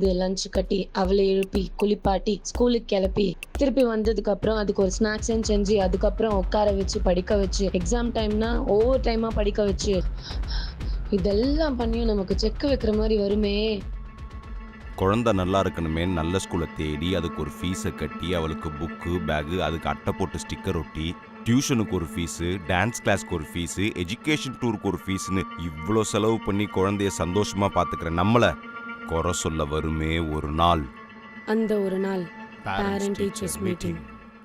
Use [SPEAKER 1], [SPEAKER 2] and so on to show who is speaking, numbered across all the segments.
[SPEAKER 1] எழுந்து லஞ்ச் கட்டி அவளை எழுப்பி குளிப்பாட்டி ஸ்கூலுக்கு கிளப்பி திருப்பி வந்ததுக்கு அப்புறம் அதுக்கு ஒரு ஸ்நாக்ஸ் செஞ்சு அதுக்கப்புறம் உட்கார வச்சு படிக்க வச்சு எக்ஸாம் டைம்னா ஒவ்வொரு டைமா படிக்க வச்சு இதெல்லாம் பண்ணியும் நமக்கு செக் வைக்கிற மாதிரி வருமே.
[SPEAKER 2] குழந்தை நல்லா இருக்கணுமே நல்ல ஸ்கூலை தேடி அதுக்கு ஒரு ஃபீஸை கட்டி அவளுக்கு புக்கு பேகு அதுக்கு அட்டை போட்டு ஸ்டிக்கர் ஒட்டி டியூஷனுக்கு ஒரு ஃபீஸு டான்ஸ் கிளாஸ்க்கு ஒரு ஃபீஸு எஜுகேஷன் டூருக்கு ஒரு ஃபீஸ்னு இவ்வளோ செலவு பண்ணி குழந்தைய சந்தோஷமா பார்த்துக்கிற நம்மளை குறை சொல்ல வருமே ஒரு நாள்.
[SPEAKER 1] அந்த ஒரு நாள் பேரண்ட் டீச்சர்ஸ் மீட்டிங்.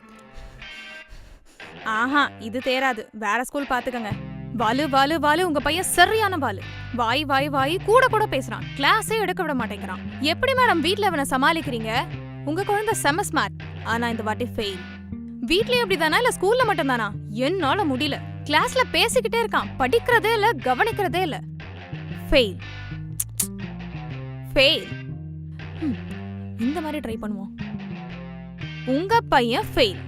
[SPEAKER 3] ஆஹா இது தேராது, வேற ஸ்கூல் பாத்துக்கங்க. வாலு வாலு வாலு உங்க பையன் சரியான வாலு. வாய் வாய் வாய் கூட கூட பேசுறான், கிளாஸே எடுக்க விட மாட்டேங்கிறான். எப்படி மேடம் வீட்ல அவனை சமாளிக்கிறீங்க? உங்க குழந்தை செம ஸ்மார்ட், ஆனா இந்த வாட்டி ஃபெயில். வீட்லயே அப்படிதானா இல்ல ஸ்கூல்ல மட்டும் தானா? என்னால முடியல. கிளாஸ்ல பேசிக்கிட்டே இருக்கான், படிக்கிறதே இல்ல கவனிக்கிறதே இல்ல. Fail fail. இந்த மாதிரி ட்ரை பண்ணுவோம். உங்க பையன் ஃபெயில்.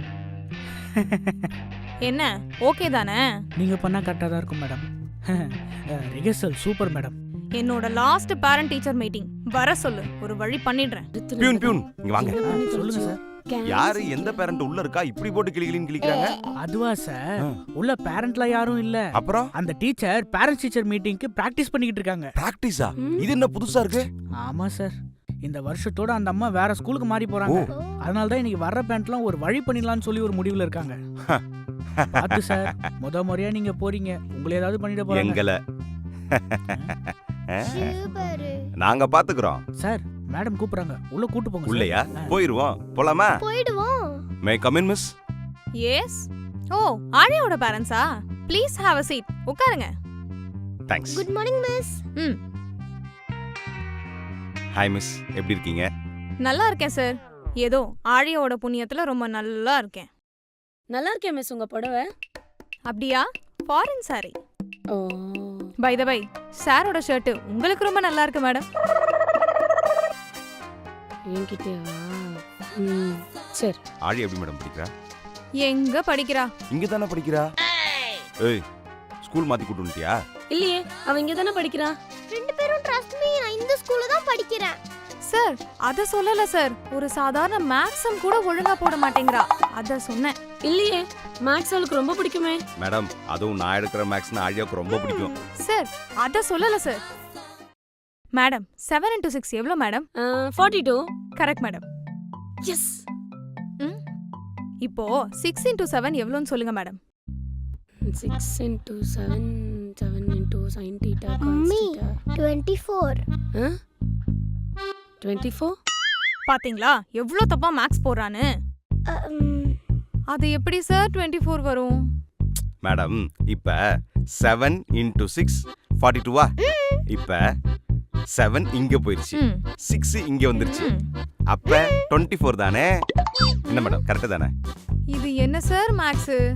[SPEAKER 3] என்ன ஓகே தானே?
[SPEAKER 4] நீங்க பண்ணா கரெக்டா தான் இருக்கும் மேடம். Rehearsal super madam.
[SPEAKER 3] என்னோட லாஸ்ட் பேரண்ட் டீச்சர் மீட்டிங் வர சொல்லு, ஒரு வழி பண்ணிடுறேன்.
[SPEAKER 2] பியூன் பியூன் இங்க வாங்க.
[SPEAKER 4] சொல்லுங்க சார்.
[SPEAKER 2] யாரு எந்த பேரண்ட் உள்ள இருக்கா இப்படி போட்டு கிளிகிளின்னு கிளிக்கிறாங்க?
[SPEAKER 4] அதுவா சார், உள்ள பேரண்ட்ல யாரும் இல்ல.
[SPEAKER 2] அப்புறம்
[SPEAKER 4] அந்த டீச்சர் பேரண்ட்ஸ் டீச்சர் மீட்டிங்க்கு பிராக்டிஸ் பண்ணிக்கிட்டு இருக்காங்க.
[SPEAKER 2] பிராக்டிஸா? இது என்ன புதுசா இருக்கு?
[SPEAKER 4] ஆமா சார், இந்த வருஷத்தோட அந்த அம்மா வேற ஸ்கூலுக்கு மாறி போறாங்க. அதனால தான் இன்னைக்கு வர்ற பேரண்ட்லாம் ஒரு வழி பண்ணிடலாம்னு சொல்லி ஒரு முடிவுல இருக்காங்க. பாத்து சார், முறையா நீங்க போறீங்க, உங்களை ஏதாவது பண்ணிட போறாங்க.
[SPEAKER 2] எங்கள நாங்க பாத்துக்கிறோம்
[SPEAKER 4] சார். மேடம் கூப்பிடுறாங்க, உள்ள கூட்டு போங்க.
[SPEAKER 2] உள்ளயா? போயிருவோம். போலாமா?
[SPEAKER 5] போய்டுவோம்.
[SPEAKER 2] May come in miss?
[SPEAKER 3] Yes. ஓ ஆழியோட பேரண்ட்ஸா? Please have a seat. உட்காருங்க.
[SPEAKER 2] Thanks.
[SPEAKER 5] Good morning miss.
[SPEAKER 2] Hi miss, எப்படி இருக்கீங்க?
[SPEAKER 3] நல்லா இருக்கேன் சார். ஏதோ ஆழியோட புண்ணியத்துல ரொம்ப நல்லா இருக்கேன்.
[SPEAKER 1] நல்லா இருக்கேன் மிஸ். உங்க புடவை
[SPEAKER 3] அப்படியா? Foreign sari.
[SPEAKER 1] Oh
[SPEAKER 3] by the by, சாரோட ஷர்ட் உங்களுக்கு ரொம்ப நல்லா இருக்கு மேடம்.
[SPEAKER 1] என்கிட்டவா? சரி.
[SPEAKER 2] ஆழி எப்படி மேடம் படிக்கிறா?
[SPEAKER 3] எங்க படிக்கிறா?
[SPEAKER 2] இங்க தானே படிக்கிறா. ஏய், ஸ்கூல் மாத்தி கூட்டு வந்துட்டியா?
[SPEAKER 1] இல்லையே, அவ இங்க தானே படிக்கிறா.
[SPEAKER 5] ரெண்டு பேரும் ட்ரஸ்ட் மீ, நான் இந்த ஸ்கூல்ல தான் படிக்கிறேன்.
[SPEAKER 3] சார் அத சொல்லல சார், ஒரு சாதாரண மேக்ஸம் கூட ஒழுங்கா போட மாட்டேங்கிறா, அத சொன்னேன்.
[SPEAKER 1] இல்லையே, மேக்ஸ் அவளுக்கு ரொம்ப பிடிக்குமே.
[SPEAKER 2] மேடம், அதுவும் நான் எடுக்கிற மேக்ஸ்னா ஆழியாவுக்கு ரொம்ப பிடிக்கும்.
[SPEAKER 3] சார் அத சொல்லல சார். மேடம் 7 into 6 எவ்வளோ மேடம்?
[SPEAKER 1] 42.
[SPEAKER 3] Correct madam.
[SPEAKER 1] எஸ்.
[SPEAKER 3] இப்போ 6 into 7 எவ்வளோன்னு சொல்லுங்க மேடம்.
[SPEAKER 1] 6 into 7 7 into sin theta cos
[SPEAKER 5] mummy
[SPEAKER 1] theta.
[SPEAKER 5] 24.
[SPEAKER 1] 24.
[SPEAKER 3] பாத்தீங்களா எவ்வளோ தப்பா மேக்ஸ் போடுறான்னு? அது எப்படி சார் 24 வரும்?
[SPEAKER 2] மேடம், இப்ப 7 into 6 42வா? இப்ப 7 இங்க போயிருச்சு, 6 இங்க வந்துருச்சு, அப்ப 24 தானே? என்ன மேடம், கரெக்ட் தானே?
[SPEAKER 3] இது என்ன சார் மேக்ஸ்?